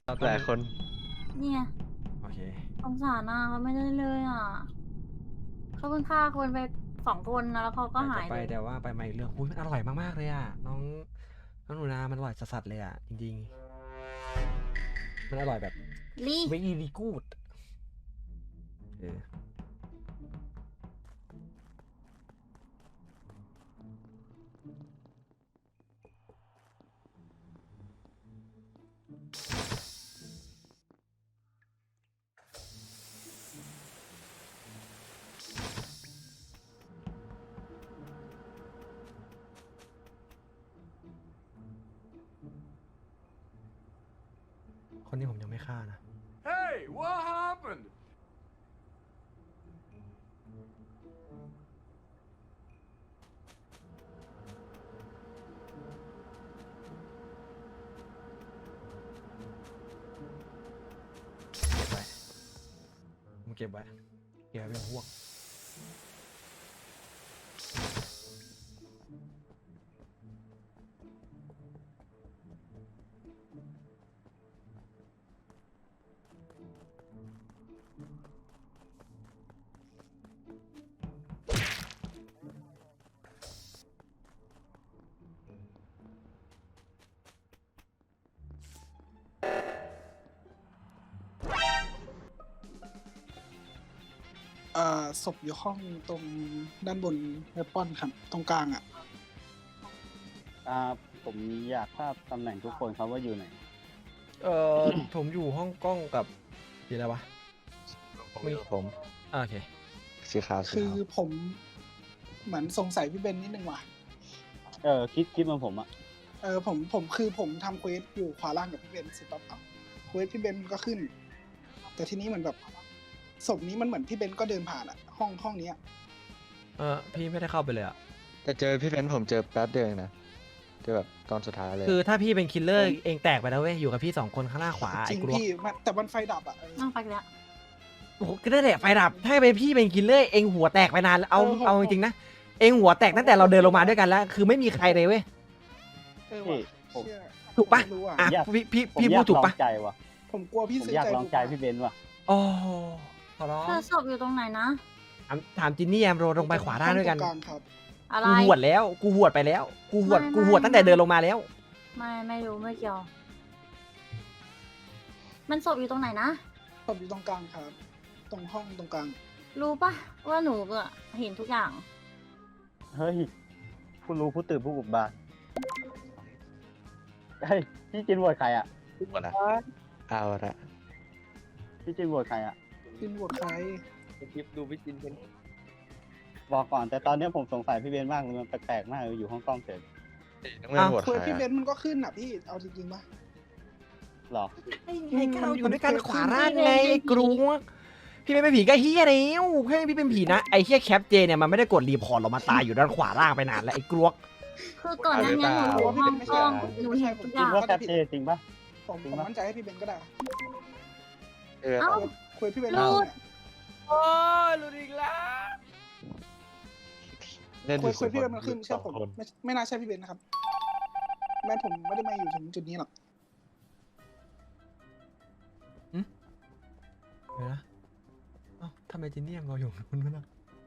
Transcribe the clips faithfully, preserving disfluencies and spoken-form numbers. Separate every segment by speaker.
Speaker 1: หลายคน
Speaker 2: เนี่ย
Speaker 3: โอเค
Speaker 2: สงสารอ่ะเขาไม่ได้เลยอ่ะเขาเพิ่งฆ่าคนไปสองคนนะแล้วเขาก็
Speaker 3: อยาก
Speaker 2: หา
Speaker 3: จะ
Speaker 2: ย
Speaker 3: ไป
Speaker 2: เลย
Speaker 3: แต่ว่าไปมาอีกเรื่องอุ้ยมันอร่อยมากๆเลยอ่ะน้องน้องหนูนามันอร่อยสัสๆเลยอ่ะจริงๆมันอร่อยแบบ
Speaker 2: ลี
Speaker 3: very good เออคนนี้ผมยังไม่ฆ่านะ
Speaker 4: Hey, what happened?
Speaker 3: เก็บไว้ผมเก็บไว้เก็บไว้เป็นพวก
Speaker 5: อ่าศพอยู่ห้องตรงด้านบนเวปอนครับ ตรงกลางอ่ะ
Speaker 6: อ่าผมอยากทราบตำแหน่งทุกคนครับว่าอยู่ไหน
Speaker 3: เออ ผมอยู่ห้องกล้องกับสีอะไรวะ
Speaker 1: ผมอยู่ผม
Speaker 3: อ่าโอเค
Speaker 1: สีขาวสี
Speaker 5: คือ
Speaker 1: ขาว
Speaker 5: ผมเหมือนสงสัยพี่เบนนิดนึงว่ะ
Speaker 6: เออคิดคิดเหมาผมอะ
Speaker 5: เออผมผมคือผมทำเควสอยู่ขวาล่างกับพี่เบนเสร็จปั๊บเอาเควสพี่เบนมันก็ขึ้น แต่ทีนี้เหมือนแบบศพนี้มันเหมือนพี่เบนก็เดินผ่านอ่ะ ห้องห้องเนี้ย
Speaker 3: เออพี่ไม่ได้เข้าไปเลยอ่ะ
Speaker 1: แต่เจอพี่เบนซ์ผมเจอแป๊บเดียวเองนะเจอแบบตอนสุดท้ายเลย
Speaker 3: คือถ้าพี่เป็นคิลเลอร์เองแตกไปแล้วเว้ยอยู่กับพี่สองคนข้างหน้าขวา
Speaker 5: จ
Speaker 3: ไอ้
Speaker 5: ริง
Speaker 3: กลัว
Speaker 5: พี่มันแต่มันไฟดับอ่ะเออ
Speaker 2: นั่งไปแล้ว
Speaker 3: โอ้โหก็ได้แหละไฟดับ ถ้าเป็นพี่เป็นคิลเลอร์เองหัวแตกไปนานแล้วเอา
Speaker 5: เออผม
Speaker 3: เอาจริงๆนะ เองหัวแตกตั้งแต่เราเดินลงมาด้วยกันแล้ว คือไม่มีใครเลยเว้ย
Speaker 5: เออ
Speaker 6: พี่
Speaker 5: ว่ะ
Speaker 6: ผม
Speaker 5: เชื่อ
Speaker 3: ถูกปะ
Speaker 5: ไม่รู้อ่ะ
Speaker 3: อ่ะ
Speaker 6: อยาก
Speaker 3: พี่พี่
Speaker 6: ผม
Speaker 3: พี่
Speaker 6: อ
Speaker 3: พู
Speaker 6: ยา
Speaker 3: ด
Speaker 6: ก
Speaker 3: ถูก
Speaker 6: ลอง
Speaker 3: ปะ
Speaker 6: ใจว่ะ
Speaker 5: ผมกลัวพี่
Speaker 6: ผม
Speaker 5: ซื้อ
Speaker 6: อยาก
Speaker 5: ใจ
Speaker 6: ลองใจพี่เบนซ์ว่ะ
Speaker 3: โอ้ขอร้อง
Speaker 2: เธอศพอยู่ตรงไหนนะ
Speaker 3: ถามถามจินนี่แอมโรลงไปขวาด้านด้วยกัน
Speaker 5: ห้องตรงกลางครับ
Speaker 2: อะไร
Speaker 3: กูหวดแล้ว กูหวดไปแล้ว กูหวด
Speaker 2: ไม่
Speaker 3: กูหวด
Speaker 2: ไม่
Speaker 3: ตั้งแต่เดินลงมาแล้ว
Speaker 2: ไม่ไม่รู้ไม่เกี่ยว มันศพอยู่ตรงไหนนะ
Speaker 5: ผมอยู่ตรงกลางครับ ตรงห้องตรงกลาง
Speaker 2: รู้ปะว่าหนูอะเห็นทุกอย่าง
Speaker 6: เฮ้ยผู้รู้ผู้ตื่นผู้บุกบานเฮ้ยพี่จินโหวตใครอะ
Speaker 1: หมดละเอาละ
Speaker 6: พี่จินโหวตใครอะ
Speaker 5: พินบวชใคร
Speaker 1: คลิปดูพี่จินเป็น
Speaker 6: บอกก่อนแต่ตอนเนี้ยผมสงสัยพี่เบนซ์มากเลยมันแปลกๆมากเลยอยู่ห้องกล้องเฉย
Speaker 1: น้องแม่บวช
Speaker 5: เควส
Speaker 1: ใคร
Speaker 5: พี่เบ
Speaker 1: อะ
Speaker 5: นซ์มันก็ขึ้นอ่ะพี่ เอาจริงๆปะ
Speaker 6: หรอ
Speaker 3: ไอ้ไอ้ก้าวอยู่ด้วยกัน
Speaker 5: มัน
Speaker 3: ขวาร่างไง
Speaker 2: มันเป็น
Speaker 3: ไอ้กรูพี่ไม่เป็นผีก็เฮียแล้วให้พี่เป็นผีนะไอ้เฮียแคปเจเนี่ยมันไม่ได้กดรีพอร์ตเรามาตายอยู่ด้านขวาล่างไปนานแล้วไอ้กรวก
Speaker 2: คือก่อนหน้านี้หนูอยู่ห้องกล้องหนูเห็นทุกอ
Speaker 6: คิด
Speaker 2: ย่าง
Speaker 6: ว่าแคปเจจริงปะ
Speaker 5: ผมผมมั่นใจให้พี่เบนซ์ก็ได้
Speaker 1: เออ
Speaker 2: เอ้า
Speaker 5: เควสพี่เบนซ์
Speaker 2: รูด
Speaker 3: โอ้ยหลุดอีกแล้ว
Speaker 1: เล่น
Speaker 5: เควสเควสพี่เบนซ์มันขึ้นเชื่อผม
Speaker 1: สงคน
Speaker 5: ไม่ไม่น่าใช่พี่เบนซ์นะครับ แม่ผมไม่ได้มาอยู่ถึงจุดนี้หรอก
Speaker 3: เดี๋ยวนะเอ้าทำไมจินนี่ยังรออยู่มันไม่นะ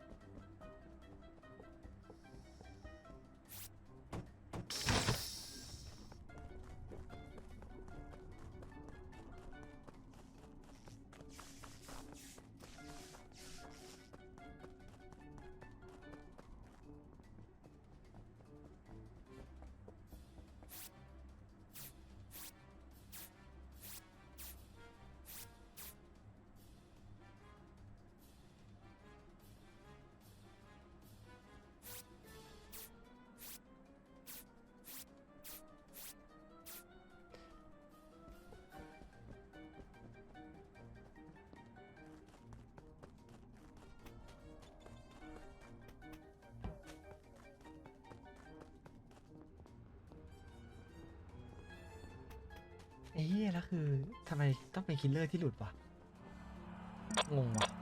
Speaker 3: ไอ้เหี้ยแล้วคือทำไมต้องเป็นคิลเลอร์ที่หลุดวะงงวะ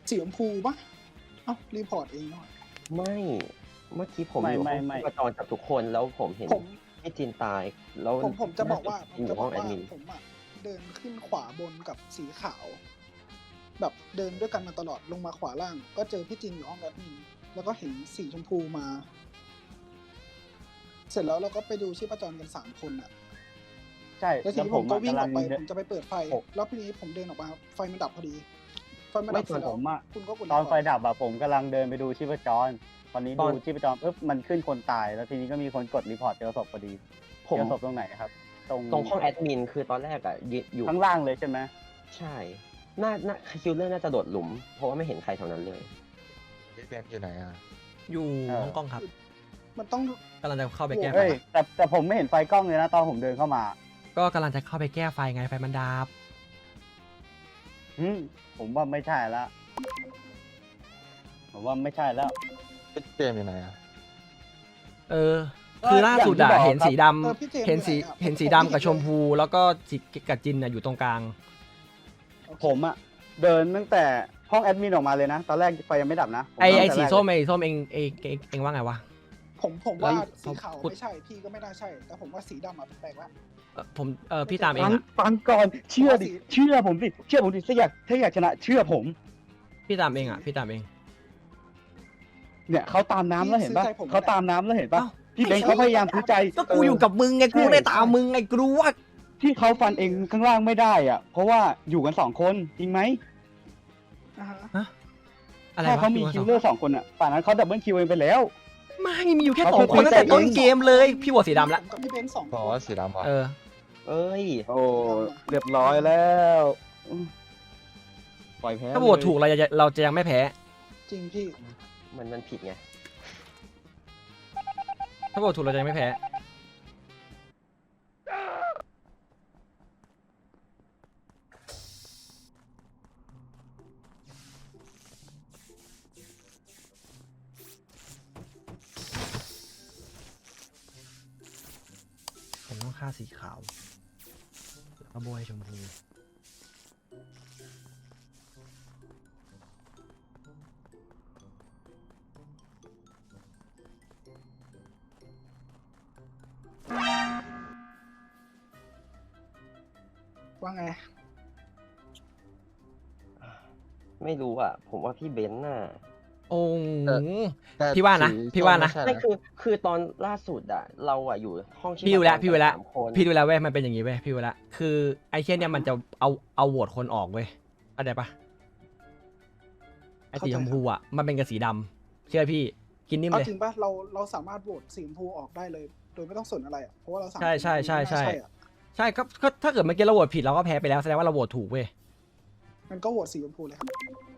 Speaker 5: สีชมพูปะเอ้ารีพอร์ตเองหน่อย
Speaker 7: ไม่เมื่อกี้ผม
Speaker 6: ไม่
Speaker 7: อยู่
Speaker 6: ไม่
Speaker 7: ห้อง
Speaker 6: ไม่
Speaker 7: ชีพจรกับทุกคนแล้วผมเห็น
Speaker 5: ผม
Speaker 7: พี่จินตาย แล้ว
Speaker 5: ผมผมจะบอกว่าผ
Speaker 7: อ
Speaker 5: มจะ
Speaker 7: ยู่
Speaker 5: บ
Speaker 7: ห้
Speaker 5: อ
Speaker 7: อง
Speaker 5: ก
Speaker 7: แอด
Speaker 5: ว่า
Speaker 7: มิน
Speaker 5: ผมอะเดินขึ้นขวาบนกับสีขาว แบบเดินด้วยกันมาตลอดลงมาขวาล่าง ก็เจอพี่จินอยู่ห้องแอดมินแล้วก็เห็นสีชมพูมา เสร็จแล้วเราก็ไปดูชีพจรกันสามคนอะ
Speaker 6: ใช่
Speaker 5: แล้วที
Speaker 6: แล้ว
Speaker 5: นี้
Speaker 6: ผ
Speaker 5: ผม มก็
Speaker 6: อะ
Speaker 5: วิ่ง
Speaker 6: กำ
Speaker 5: อ
Speaker 6: ลั
Speaker 5: อง กไป
Speaker 6: เดิ
Speaker 5: ผ
Speaker 6: น
Speaker 5: มจะไปเปิดไฟ
Speaker 6: ผม
Speaker 5: แล้วทีนี้ผมเดินออกมาไฟมันดับพอดี ไฟมัน
Speaker 6: ไม่
Speaker 5: ดับเสร็จ
Speaker 6: ผ
Speaker 5: แล้ว
Speaker 6: มอะ
Speaker 5: คุณก็กด
Speaker 6: ตอนไฟ
Speaker 5: รีพร์
Speaker 6: ดับอะผมกำลังเดินไปดูชีพจรตอนนี้
Speaker 7: ตอ
Speaker 6: ดู
Speaker 7: น
Speaker 6: ชีพจรปุ๊บมันขึ้นคนตายแล้วทีนี้ก็มีคนกดรีพอร์ตเจอศพพอดี
Speaker 7: ผม
Speaker 6: เจอศพตรงไหนครับ ตรง
Speaker 7: ตรงห้องแอดมินคือตอนแรกอะยืนอยู่
Speaker 6: ข้างล่างเลยใช่ไหม
Speaker 7: ใช่น่าน่าคิวเลอร์น่าจะโดดหลุม เพราะว่าไม่เห็นใครแถวนั้นเลย
Speaker 1: พี่เบนอยู่ไหนอ่ะ
Speaker 3: อยู่ห้องกล้องครับ
Speaker 5: มันต้อง
Speaker 3: กำลังจะเข้าไปแก้ไฟ
Speaker 6: เฮ้ยแต่แต่ผมไม่เห็นไฟกล้องเลยนะตอนผมเดินเข้ามา
Speaker 3: ก็กำลังจะเข้าไปแก้ไฟไงไฟมันดับ
Speaker 6: อืมผมว่าไม่ใช่ละผมว่าไม่ใช่แล้ว
Speaker 1: พี่เจมส์อยู่ไหนอ่ะ
Speaker 3: เออ คือล่าสุดอะ
Speaker 6: อย่างที่บอก
Speaker 3: เห็นสีด
Speaker 5: เออพี่เจมส์
Speaker 3: ำเห็นสี
Speaker 5: อยู่ไหนอะ
Speaker 3: เห็นสี
Speaker 5: ผม
Speaker 3: ดำ
Speaker 5: ไม่
Speaker 3: กับชม
Speaker 5: เลย
Speaker 3: พู แล้วก็สีกับจินอะอยู่ตรงกลาง
Speaker 5: โอเค
Speaker 6: ผมอะเดินตั้งแต่ห้องแอดมินออกมาเลยนะ ตอนแรกไฟยังไม่ดับนะผม
Speaker 3: ไอไอ
Speaker 6: เดิน
Speaker 3: สี
Speaker 6: แต่แรก
Speaker 3: ส้ม
Speaker 6: เลย
Speaker 3: ไอส้มเองเองเองเองว่าไงวะ
Speaker 5: ผมผมว่า
Speaker 3: เฮ้ย
Speaker 5: สีขาว
Speaker 3: พูด
Speaker 5: ไม่ใช่พี่ก็ไม่น่าใช่ แต่ผมว่าสีดำอะแปลกๆละ
Speaker 3: เอ่อผมเออพี่ตามเอง
Speaker 6: ฟัง
Speaker 3: อะ
Speaker 6: ฟังก่อนเชื่อดิ
Speaker 5: ผมว่าสี
Speaker 6: เชื่อผมสิเชื่อผมดิถ้าอยากถ้าอยากชนะ เชื่อผม
Speaker 3: พี่ตามเองอะพี่ตามเอง
Speaker 6: เนี่ยเขาตามน้ำแล้วเห็นปะ
Speaker 5: ซื้อใจผม
Speaker 6: เขาตามน้ำแล้วเห็นปะ
Speaker 3: เอ้า
Speaker 6: พี่เบนเขาพยายามซื้อใจ
Speaker 3: ก็กูอยู่กับมึงไงกูได้ตามมึงไงกูรู้ว่า
Speaker 6: ที่เขาฟันเองข้างล่างไม่ได้อ่ะ เพราะว่าอยู่กันสองคนจริงไหม
Speaker 5: อ่าฮะ
Speaker 3: อะไร
Speaker 6: ถ้าว
Speaker 3: ะ
Speaker 6: เขามี
Speaker 3: พี่
Speaker 6: คิ
Speaker 3: ว
Speaker 6: วเลอร์สองคนอ่ะป่านนั้นเขาดับเบิลคิวเองไปแล้ว
Speaker 3: ไม่มีอยู่แค่
Speaker 6: เขา
Speaker 3: สองคน
Speaker 6: คุย
Speaker 3: ตั้งแต่
Speaker 6: แต่
Speaker 3: ต้น
Speaker 6: เอง
Speaker 3: เกมเลย พี่โหวตสีดำละ
Speaker 5: ผมกับพี่เบนซ์สอง
Speaker 1: บอก
Speaker 5: คน
Speaker 1: ว่าสีดำเหรอ
Speaker 3: เออ
Speaker 7: เอ้ย
Speaker 6: โอ้เรียบร้อยแล้วปล่อยแพ้
Speaker 3: ถ้าโหวตถูกเราจะเราจะยังไม่แพ้
Speaker 5: จริงพี่
Speaker 7: มันมันผิดไง
Speaker 3: ถ้าโหวตถูกเราจะยังไม่แพ้ ผมต้องฆ่าสีขาวแล้วก็โบยชมพู
Speaker 5: ว่าไง
Speaker 7: ไม่รู้อ่ะ ผมว่าพี่เบนซ์น่ะ
Speaker 3: โอ้โห
Speaker 1: แต่
Speaker 3: พี่ว่านะ
Speaker 1: สี
Speaker 3: พี่ว่านะ
Speaker 1: ส้ม
Speaker 7: ไม่
Speaker 1: ไม่ใช่
Speaker 7: คือคือตอนล่าสุดอ่ะ เราอ่ะอยู่ห้องชีพ
Speaker 3: พี่ดูแล้ว
Speaker 7: จร
Speaker 3: พี่ดูแล้ว
Speaker 7: สามคน
Speaker 3: พี่ดูแล้วเว้ยมันเป็นอย่างนี้เว้ยพี่ดูแล้วคือไอ้เช่นเนี่ยมันจะเอาเอาโหวตคนออกเว้ยเข้าใจปะไอ้สีชมพูอ่ะมันเป็นกับสีดำเชื่อพี่กินนิ่ม
Speaker 5: เอา
Speaker 3: เลย
Speaker 5: จริงป่ะเราเราสามารถโหวตสีชมพูออกได้เลย โดยไม่ต้องสนอะไรอ่ะเพราะว่าเราสาม
Speaker 3: ใช่ใช่ใช่ใช่
Speaker 5: ไม่น่าอะ
Speaker 3: ใช่ก็ก็ถ้าเกิดเมื่อกี้เราโหวตผิดเราก็แพ้ไปแล้วแสดงว่าเราโหวตถูกเว้ย
Speaker 5: มันก็โหวตสีชมพูเลยครับ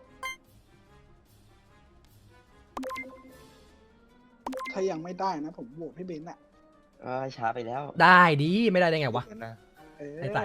Speaker 5: ถ้ายังไม่ได้นะ ผมโหวตพี่เบนซ์อ่ะ
Speaker 7: เออช้าไปแล้ว
Speaker 3: ได้ดีไม่ได้ได้ไงวะ
Speaker 1: นะ
Speaker 5: เออ
Speaker 3: ไอ้ใส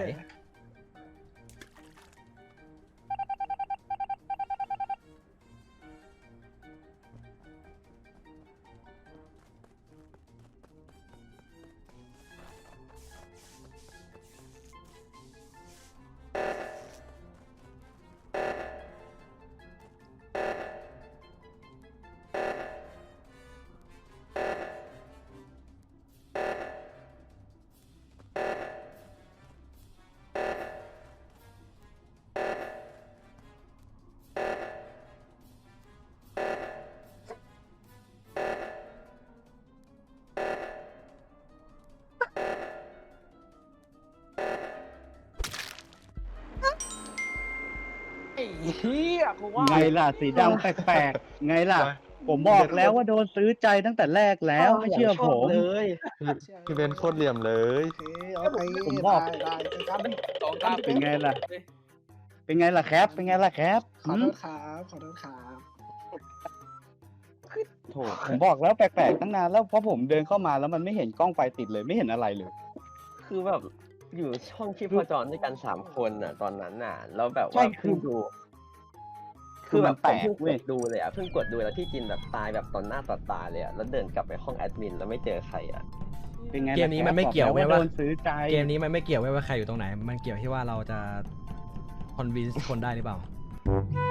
Speaker 6: ไงล่ะสีดำแปลกๆ ไงล่ะ ผมบอกแล้วว่าโดนซื้อใจตั้งแต่แรกแล้วไม่เชื่อผม
Speaker 7: เลย
Speaker 1: พี่เบนซ์โคตรเหลี่ยมเลย
Speaker 5: โอเคโอเค
Speaker 6: ผมบอก
Speaker 5: ได้ได้เจอกัน
Speaker 8: สองเก้า
Speaker 6: เป็นไงล่ะ เป็นไงล่ะแคปเป็นไงล่ะแคป
Speaker 5: ขอ
Speaker 6: หื
Speaker 5: โท
Speaker 6: ม
Speaker 5: ษครับขอโทษครับ
Speaker 7: โถ
Speaker 6: ผมบอกแล้วแปลกๆตั้งนานแล้วเพราะผมเดินเข้ามาแล้วมันไม่เห็นกล้องไฟติดเลยไม่เห็นอะไรเลย
Speaker 7: คือแบบอยู่ช่องชีพจรด้วยกันสามคนน่ะ ตอนนั้นน่ะ แล้วแบบ
Speaker 6: ใช่
Speaker 7: ว่า
Speaker 6: คือ
Speaker 7: เพิ่งดู
Speaker 6: คื
Speaker 7: คือ อ
Speaker 6: มั
Speaker 7: แบ
Speaker 6: น
Speaker 7: บ
Speaker 6: แป
Speaker 7: ผ
Speaker 6: ล
Speaker 7: ม
Speaker 6: ก
Speaker 7: เพิ่ง
Speaker 6: เว้
Speaker 7: ก
Speaker 6: ย
Speaker 7: ดดูเลยอ่ะเพิ่งกดดูแล้วที่จินแบบตายแบบต่อหน้าต่อตาเลยอ่ะแล้วเดินกลับไปห้องแอดมินแล้วไม่เจอใครอ่ะ
Speaker 6: เป็นไงล่ะ
Speaker 3: เกมนี้มันไม่
Speaker 6: แคป
Speaker 3: เกี่ยว
Speaker 6: บอก
Speaker 3: เว้ย
Speaker 6: แล้
Speaker 3: ว่า
Speaker 6: โดนซื้อใจ
Speaker 3: เกมนี้มันไม่เกี่ยวเว้ยว่าใครอยู่ตรงไหน มันเกี่ยวที่ว่าเราจะคอนวินส์คนได้หรือเปล่า